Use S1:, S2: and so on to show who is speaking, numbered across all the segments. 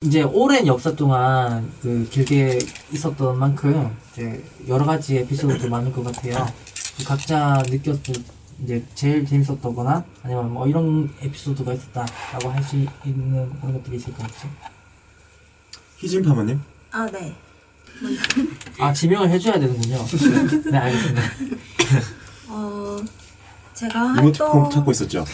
S1: 이제 오랜 역사 동안 그 길게 있었던 만큼 이제 여러 가지 에피소드도 많을 것 같아요. 각자 느꼈을 이제 제일 재밌었다거나 아니면 뭐 이런 에피소드가 있었다라고 할 수 있는 그런 것들이 있을 것 같죠.
S2: 희진파마님?
S3: 아, 네.
S1: 아, 지명을 해줘야 되는군요. 네, 알겠습니다.
S3: 제가
S2: 이모티콘 찾고 있었죠?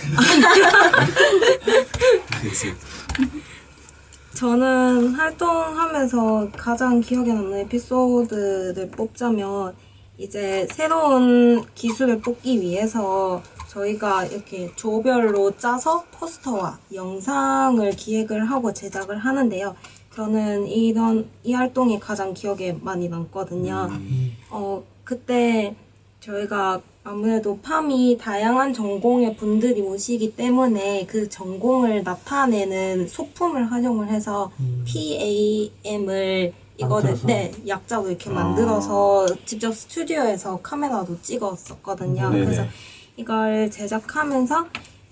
S3: 저는 활동하면서 가장 기억에 남는 에피소드를 뽑자면 이제 새로운 기술을 뽑기 위해서 저희가 이렇게 조별로 짜서 포스터와 영상을 기획을 하고 제작을 하는데요. 저는 이 활동이 가장 기억에 많이 남거든요. 그때 저희가 아무래도 팜이 다양한 전공의 분들이 오시기 때문에 그 전공을 나타내는 소품을 활용을 해서 PAM을 이거를 약자로 이렇게 만들어서 직접 스튜디오에서 카메라도 찍었었거든요. 그래서 이걸 제작하면서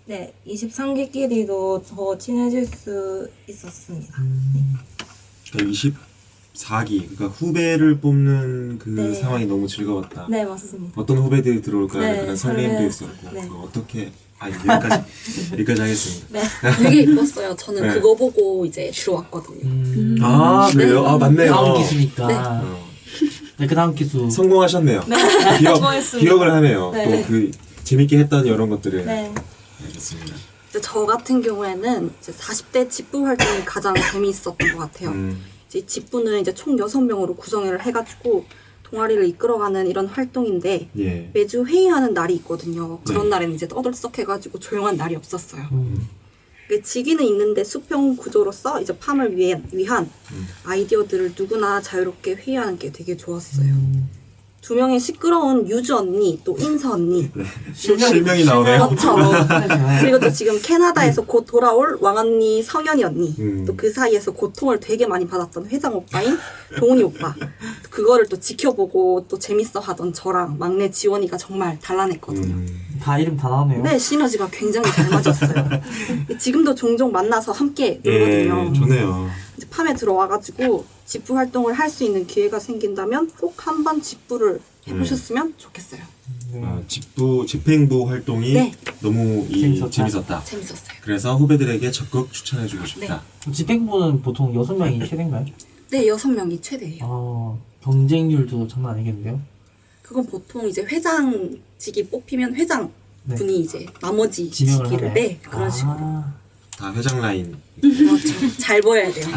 S3: 23기끼리도 더 친해질 수 있었습니다.
S2: 그러니까 24기, 그러니까 후배를 뽑는 그 상황이 너무 즐거웠다.
S3: 네, 맞습니다.
S2: 어떤 후배들이 들어올까
S3: 네,
S2: 그런 설렘도 있었고 어떻게 여기까지 하겠습니다.
S4: 되게 이뻤어요. 저는 그거 보고 이제 들어왔거든요.
S2: 아, 그래요? 아, 맞네요.
S1: 다음 기수니까. 네, 그 다음 기수.
S2: 성공하셨네요. 기억을 하네요. 또 그 재밌게 했던 이런 것들을.
S3: 네.
S2: 알겠습니다.
S4: 이제 저 같은 경우에는 이제 40대 집부 활동이 가장 재미있었던 것 같아요. 이제 집부는 이제 총 6명으로 구성을 해가지고 동아리를 이끌어가는 이런 활동인데 매주 회의하는 날이 있거든요. 그런 날에는 이제 떠들썩해가지고 조용한 날이 없었어요. 직위는 있는데 수평 구조로서 이제 팜을 위한 아이디어들을 누구나 자유롭게 회의하는 게 되게 좋았어요. 2명의 시끄러운 유주 언니, 또 인서 언니.
S2: 실명이 나오네요.
S4: 그렇죠. 그리고 또 지금 캐나다에서 곧 돌아올 왕언니 성현이 언니. 또 그 사이에서 고통을 되게 많이 받았던 회장 오빠인 동훈이 오빠. 그거를 또 지켜보고 또 재밌어 하던 저랑 막내 지원이가 정말 단란했거든요.
S1: 다 이름 다 나오네요.
S4: 네, 시너지가 굉장히 잘 맞았어요. 지금도 종종 만나서 함께 놀거든요.
S2: 좋네요.
S4: 이제 팜에 들어와가지고 집부 활동을 할 수 있는 기회가 생긴다면 꼭 한번 집부를 해보셨으면 좋겠어요.
S2: 집행부 활동이 너무 재밌었다.
S4: 재밌었어요.
S2: 그래서 후배들에게 적극 추천해주고 싶다.
S1: 집행부는 보통 6명이 최대인가요?
S4: 네, 6명이 최대예요.
S1: 경쟁률도 장난 아니겠는데요?
S4: 그건 보통 이제 회장직이 뽑히면 회장 분이 이제 나머지 직위를 그런 식으로.
S2: 다 회장 라인.
S4: 그렇죠. 잘 보여야 돼요.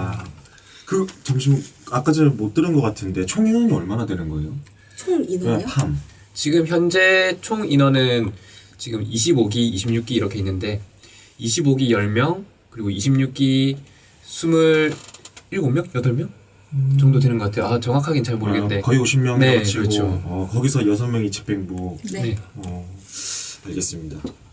S2: 잠시만, 아까 전에 못 들은 것 같은데 총 인원이 얼마나 되는 거예요?
S4: 총 인원이요?
S2: 팜.
S5: 지금 현재 총 인원은 지금 25기, 26기 이렇게 있는데 25기 10명, 그리고 26기 27명? 8명? 정도 되는 것 같아요. 정확하긴 잘 모르겠는데
S2: 거의 50명
S5: 네,
S2: 치고
S5: 그렇죠.
S2: 거기서 6명이 집행부.
S4: 네.
S2: 알겠습니다.